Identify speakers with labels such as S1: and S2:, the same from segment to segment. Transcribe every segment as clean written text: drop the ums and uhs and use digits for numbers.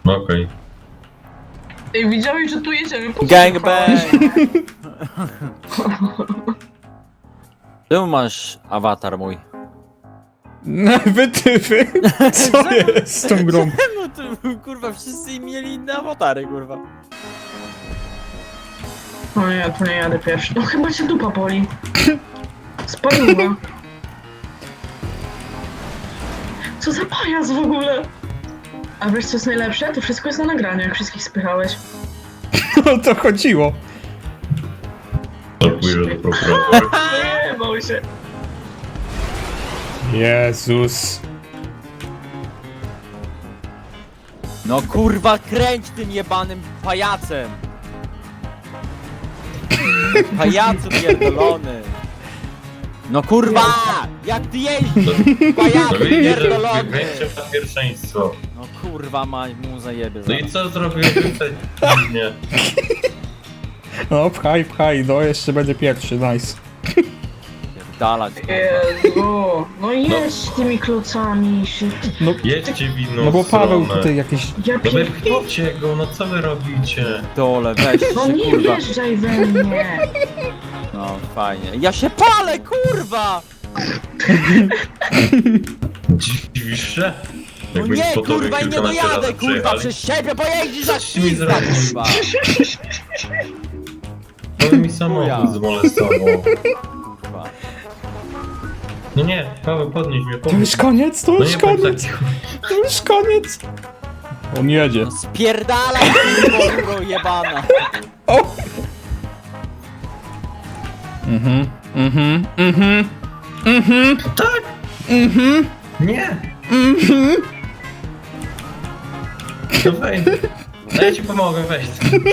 S1: Okej.
S2: Ej, widziałeś, że tu jedziemy? Po co
S3: Gangbang!
S2: słuchałeś?
S3: Czemu masz awatar mój?
S4: Wytyfy! Co jest z tą grą?
S3: No to kurwa, wszyscy mieli inne awatary, kurwa.
S2: O nie, tu nie jadę pierwszy. No chyba cię dupa boli. Spaliła. Co za pajac w ogóle? A wiesz co jest najlepsze? To wszystko jest na nagraniu, jak wszystkich spychałeś.
S4: O to chodziło.
S1: To pójdę do prokuratora.
S2: Nie, bał się.
S4: Jezus.
S3: No kurwa, kręć tym jebanym pajacem! Pajacu pierdolony! No kurwa! Jak ty jeździsz? Pajacu
S1: No widzisz, że
S3: pierdolony!
S1: wygraliście na pierwszeństwo.
S3: No kurwa, mu zajebie
S1: No i co zrobiłem tutaj? Nie.
S4: No pchaj, no jeszcze będzie pierwszy, nice.
S3: Dalać.
S2: Jezu. No jedź tymi klocami. Shit.
S4: No,
S1: Jedźcie w inną
S4: no bo Paweł
S1: stronę.
S4: tutaj jakieś...
S2: Ja
S1: No
S2: pierdolę.
S1: wypchnijcie go, no co wy robicie?
S3: Dole, weź się
S2: No nie
S3: kurwa.
S2: wjeżdżaj we mnie.
S3: No fajnie. Ja się palę, kurwa!
S1: Dziwisz się?
S3: No
S1: Jakbyś
S3: nie,
S1: po tobie
S3: kurwa, i nie
S1: kilkanaście
S3: dojadę,
S1: razy
S3: kurwa,
S1: przyjechali.
S3: przez siebie pojeździsz za
S1: Coś mi
S3: ślizga,
S1: zrobił.
S3: kurwa!
S1: To mi
S3: Chuja.
S1: samochód zmolestował.
S3: Kurwa.
S1: No nie, Paweł, podnieś mnie,
S4: To
S1: podnieś.
S4: już koniec, to
S1: No
S4: już
S1: nie bądź
S4: koniec,
S1: taki...
S4: to już koniec. On jedzie.
S3: No spierdalaj, kurwa, jebana!
S4: O!
S1: Tak! Nie! No wejdź. No ja ci pomogę, weź.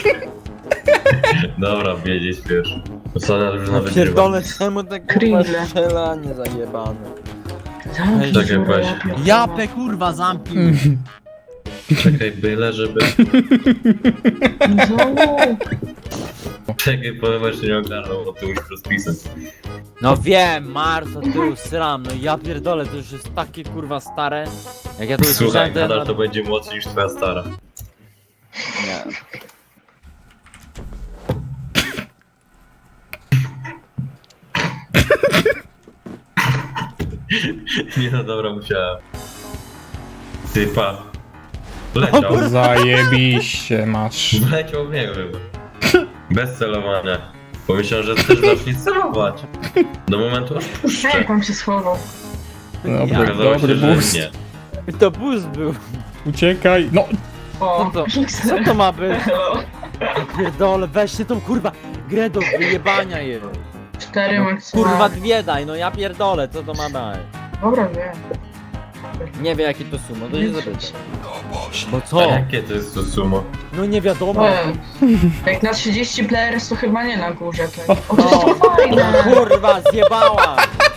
S1: Dobra, wiedzieć pierwszy. Ostatnia drużyna wygrywa.
S3: Pierdolę, czemu tak kurwa
S2: Krindle.
S3: strzelanie zajebane?
S2: Zamknij
S1: Tak
S2: się,
S1: jak weź.
S2: ja pierdolę.
S3: Japę, kurwa, zamknij!
S1: Czekaj, byle żeby...
S2: Znowu.
S1: Czekaj, powiem, jeszcze nie ogarnął, bo ty musisz rozpisać.
S3: No wiem, Marto, ty sram, no ja pierdolę, to już jest takie kurwa stare. Jak ja to
S1: Słuchaj,
S3: usłyszałem, to ja
S1: nadal to będzie młodszy niż twoja stara.
S3: Nie.
S1: Nie no dobra, musiałem. Ty pa. Leciał.
S4: Zajebiście masz.
S1: Wleciał w niego chyba. Bez celowania. Pomyślałem, że też zacznie celować. Do momentu aż puszczę.
S2: Jak on się schował?
S4: Dobry,
S1: Okazało
S4: dobry
S1: się, że
S4: boost.
S1: nie.
S3: To bus był.
S4: Uciekaj. No,
S2: O,
S3: Co to,
S2: Pixel.
S3: co to ma być?
S2: Hello.
S3: Ja pierdolę, weźcie tą kurwa grę do wyjebania je.
S2: 4
S3: No,
S2: maksymalnie.
S3: kurwa dwie daj, no ja pierdolę, co to ma dać?
S2: Dobra, wiem.
S3: Nie wie jakie to sumo, to
S2: Nie
S3: nie zapytam.
S2: czuć.
S3: Bo
S1: A
S3: co?
S1: jakie to jest to sumo?
S3: No nie wiadomo.
S2: Jak na 30 players to chyba nie na górze. To... O, to jest
S3: No,
S2: to fajne.
S3: kurwa, zjebała!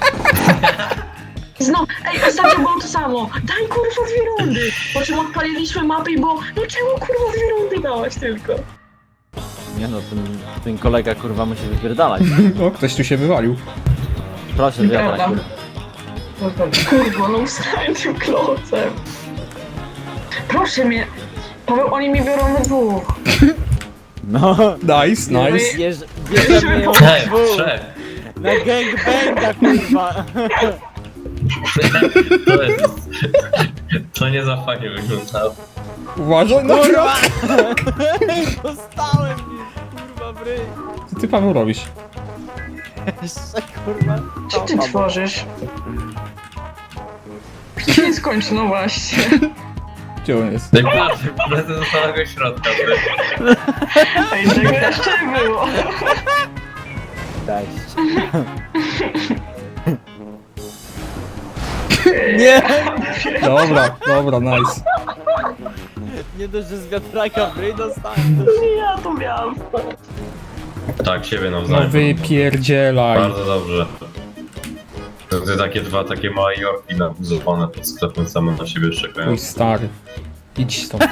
S2: Znowu, ej, ostatnio było to samo. Daj kurwa 2 rundy. Po czym odpaliliśmy mapę i było, no czemu kurwa 2 rundy dałaś tylko?
S3: Nie no, ten kolega kurwa musi wypierdalać.
S4: o, ktoś tu się wywalił.
S3: Proszę,
S2: Nieprawda.
S3: wiatrać.
S2: Kurwa, no usrałem tym klocem. Proszę mnie. Paweł, oni mi biorą we dwóch.
S3: No,
S4: Nice, nice.
S3: bierzemy ją
S1: Hej,
S3: dwóch.
S1: trzech.
S3: Na gangbanga kurwa.
S1: To jest... To nie za fajnie wyglądało.
S4: Uważaj, no
S3: Kurwa! Dostałem mi, kurwa w ryj.
S4: Co ty, Paweł, robisz?
S3: Jeszcze kurwa.
S2: Co ty tworzysz? To nie skończy, no właśnie.
S4: Gdzie on jest?
S1: No i patrz, lecę do samego środka.
S2: Ej, tego jeszcze nie było.
S3: Cześć. Nie!
S4: Dobra, nice.
S3: Nie dość, że z wiatraka w ryj dostałem. to
S2: Nie, ja to miałam.
S1: Tak, siebie
S4: No
S1: nawzajem.
S4: wypierdzielaj.
S1: Bardzo dobrze. To takie dwa takie małe jorki nabuzowane pod sklepem same na siebie czekają.
S4: Mój stary. Idź stąd.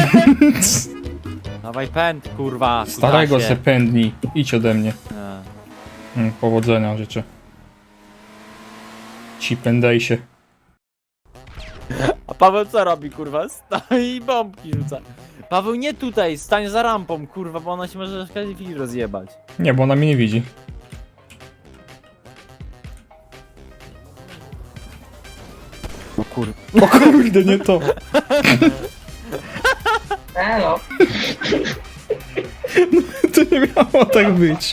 S3: Dawaj pęd, kurwa.
S4: Starego
S3: kutasie.
S4: se pędni. Idź ode mnie.
S3: Nie.
S4: Powodzenia życzę. Ci pędej się.
S3: A Paweł co robi, kurwa? Stoi i bombki rzuca. Paweł nie tutaj, stań za rampą, kurwa, bo ona się może w każdej chwili rozjebać.
S4: Nie, bo ona mnie nie widzi.
S3: O kurwa.
S4: O kurde, nie to.
S2: Elo.
S4: To nie miało tak być.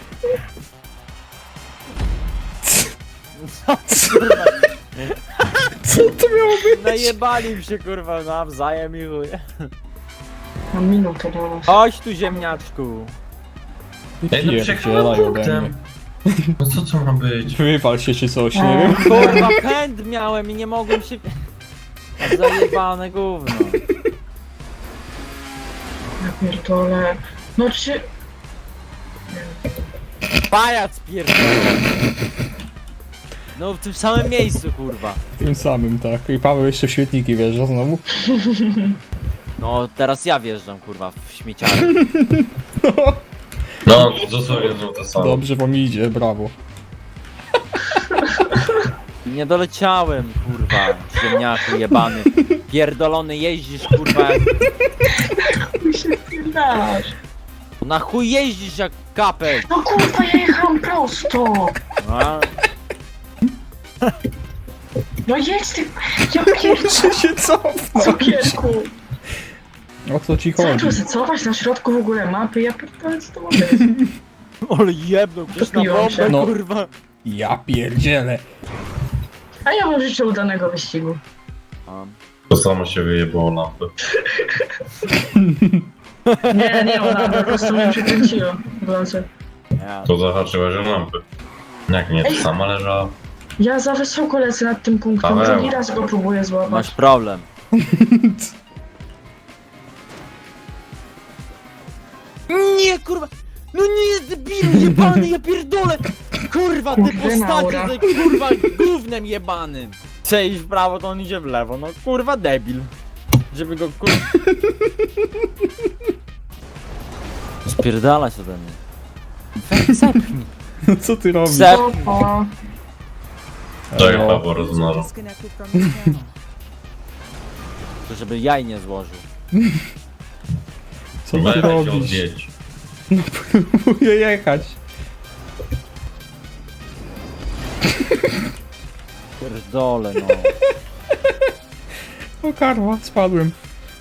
S4: Co to miało być?
S3: Najebali mi się, kurwa, nawzajem i chuj.
S2: Mam minutę do nas.
S3: Chodź tu, ziemniaczku.
S1: Ej, no
S4: Pierdzielaj
S1: przejechałem
S4: ode mnie.
S1: punktem. No co to ma być?
S4: Wywal się czy coś, nie wiem.
S3: Kurwa, pęd miałem i nie mogłem się... Zajebane gówno.
S2: Ja pierdolę. No czy...
S3: Pajac pierdolę. No w tym samym miejscu, kurwa.
S4: Tym samym, tak. I Paweł jeszcze w świetniki wjeżdża znowu.
S3: No teraz ja wjeżdżam, kurwa, w śmieciarę.
S1: No, dosłownie znowu to samo.
S4: Dobrze wam idzie, brawo.
S3: Nie doleciałem, kurwa, ziemniaku jebany. Pierdolony jeździsz, kurwa, jak...
S2: Mi się dasz.
S3: Na chuj jeździsz jak kapel.
S2: No kurwa, ja jechałam prosto.
S3: A?
S2: No jedź ty... Ja pierdolę.
S4: Czy się cofnąć?
S2: Cukierku.
S4: O co ci
S2: Co
S4: chodzi?
S2: tu zacować na środku w ogóle mapy? Ja pierdolę, co to ma być?
S3: Ale jebnął przecież na
S2: Topiłam
S3: bombę,
S2: się.
S4: No.
S3: kurwa.
S4: Ja pierdzielę.
S2: A ja wam życzę udanego wyścigu.
S3: A,
S1: To samo się wyjebało lampy.
S2: Nie, ona po prostu mnie przekręciła. Włączę.
S3: ja.
S1: To zahaczyłeś o lampy. Jak nie, to sama leżała.
S2: Ja za wysoko lecę nad tym punktem,
S1: Paweł.
S2: drugi raz go próbuję złapać.
S3: Masz problem. Nie, kurwa! No nie, debilu jebany, ja pierdolę! Kurwa, ty
S2: Kurde,
S3: postacie
S2: Laura.
S3: tutaj, kurwa, gównem jebanym! Chce iść w prawo, to on idzie w lewo, no kurwa debil. Żeby go, kurwa... Spierdalać ode mnie. Weź, zepchnij.
S4: No co ty robisz?
S3: Zepchnij.
S2: O,
S1: To ja
S4: Elo.
S1: chyba rozmawiam.
S5: Disconnected from your channel.
S3: To żeby jaj nie złożył.
S4: Co ty
S1: Weź się
S4: robisz?
S1: odjedź.
S4: Próbuję jechać.
S3: Pierdolę, no.
S4: O karwa, spadłem.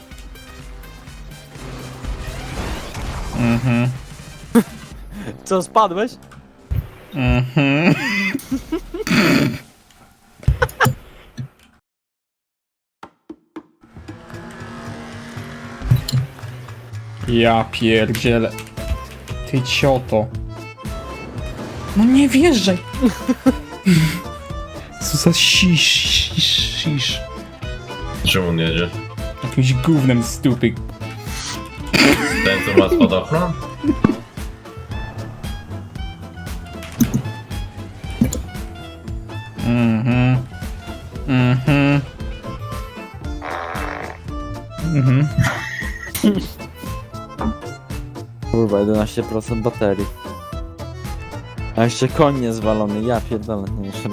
S4: Mhm.
S3: Co, spadłeś?
S4: Mhm. Ja pierdzielę. Ty cioto. No nie wjeżdżaj. Co za sisz.
S1: Czemu on jedzie?
S4: Jakimś gównem stupy.
S1: Ten co ma spadochron?
S4: Mhm. Mhm. Mhm.
S3: Kurwa, 11% baterii. A jeszcze koń niezwalony, ja pierdolę. No jeszcze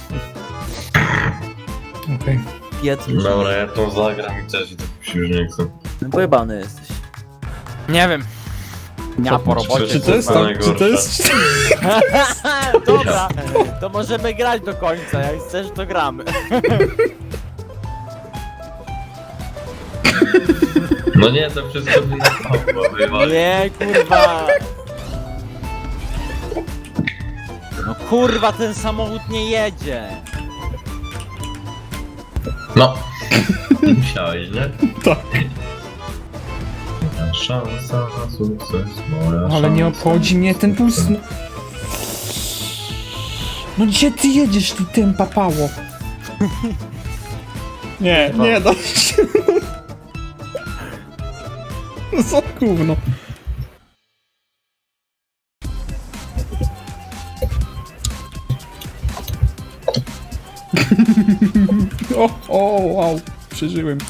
S4: Okej.
S3: piec
S1: Dobra, ja tą zagram i też i tak już nie chcę.
S3: pojebany jesteś. Nie wiem. Ja po robocie.
S4: Czy to jest
S1: kurwa,
S4: tam, czy to jest...
S3: Dobra, to możemy grać do końca, jak chcesz to gramy.
S1: No nie, to wszystko by nastało, wywali.
S3: Nie, kurwa. No kurwa, ten samochód nie jedzie.
S1: No. Musiałeś, nie?
S4: Tak.
S1: Moja szansa na sukces, moja
S4: Ale nie
S1: szansa
S4: obchodzi
S1: na
S4: mnie ten
S1: sukces.
S4: puls. No gdzie ty jedziesz, ty tym papało? Nie, nie da się. No co gówno. O, wow, przeżyłem.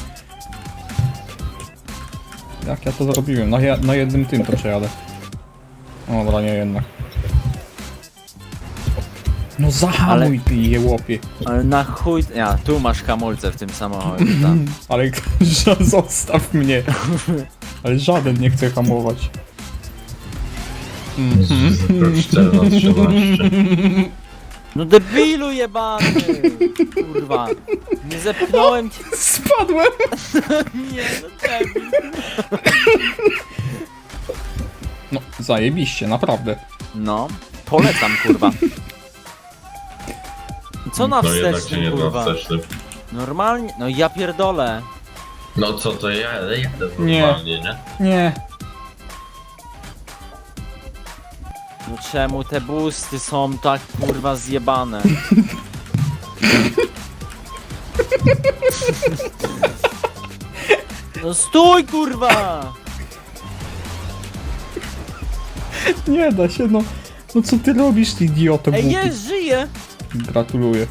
S4: Jak ja to zrobiłem? Na jednym tym to przejadę. O, dobra, nie jednak. No zahamuj ty jełopie.
S3: Ale na chuj... Ja, tu masz hamulce w tym samochodzie, tak.
S4: Ale zostaw mnie. Ale żaden nie chce hamować.
S1: Szczerno 13.
S3: No debilu jebany! Kurwa. Nie zepchnąłem cię.
S4: Spadłem!
S3: Nie, no debil.
S4: No, zajebiście, naprawdę.
S3: No, polecam kurwa. Co na
S1: No jednak się
S3: wstecznym
S1: nie da
S3: kurwa?
S1: wstecznym.
S3: Normalnie? No ja pierdolę.
S1: No co to ja jadę
S4: Nie.
S1: normalnie, nie?
S4: Nie.
S3: No czemu te busty są tak kurwa zjebane? No stój kurwa!
S4: Nie da się, no. No co ty robisz, ty idioto
S3: Ej,
S4: głupi?
S3: jest, żyję!
S4: Gratuluję.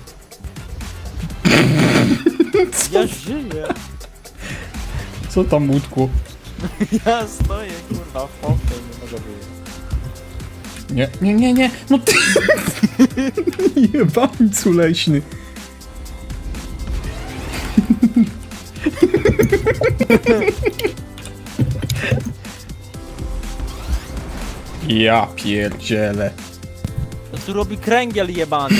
S3: Ja żyję!
S4: Co tam łódku?
S3: Ja stoję kurwa w pompie, nie mogę wyjść.
S4: Nie, nie, nie, nie. No ty... Jebańcu leśny. Ja pierdzielę.
S3: To tu robi kręgiel jebany.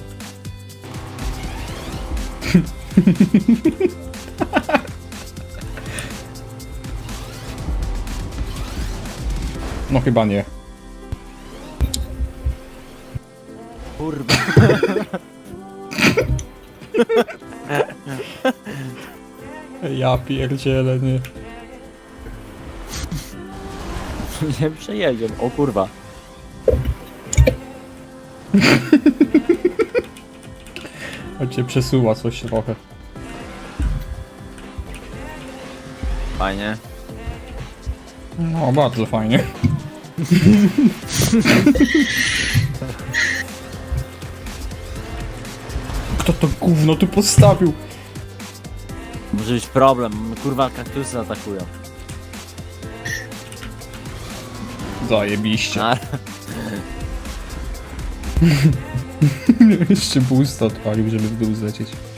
S4: No chyba nie.
S3: Kurwa.
S4: Ja pierdzielę, nie.
S3: Nie przejedziemy. O kurwa.
S4: Choć cię przesuwa coś trochę.
S3: Fajnie.
S4: No, bardzo fajnie. Kto to gówno tu postawił?
S3: Może być problem. Kurwa kaktusy atakują.
S4: Zajebiście.
S3: A,
S4: Jeszcze boost odpalił, żeby w dół zlecieć.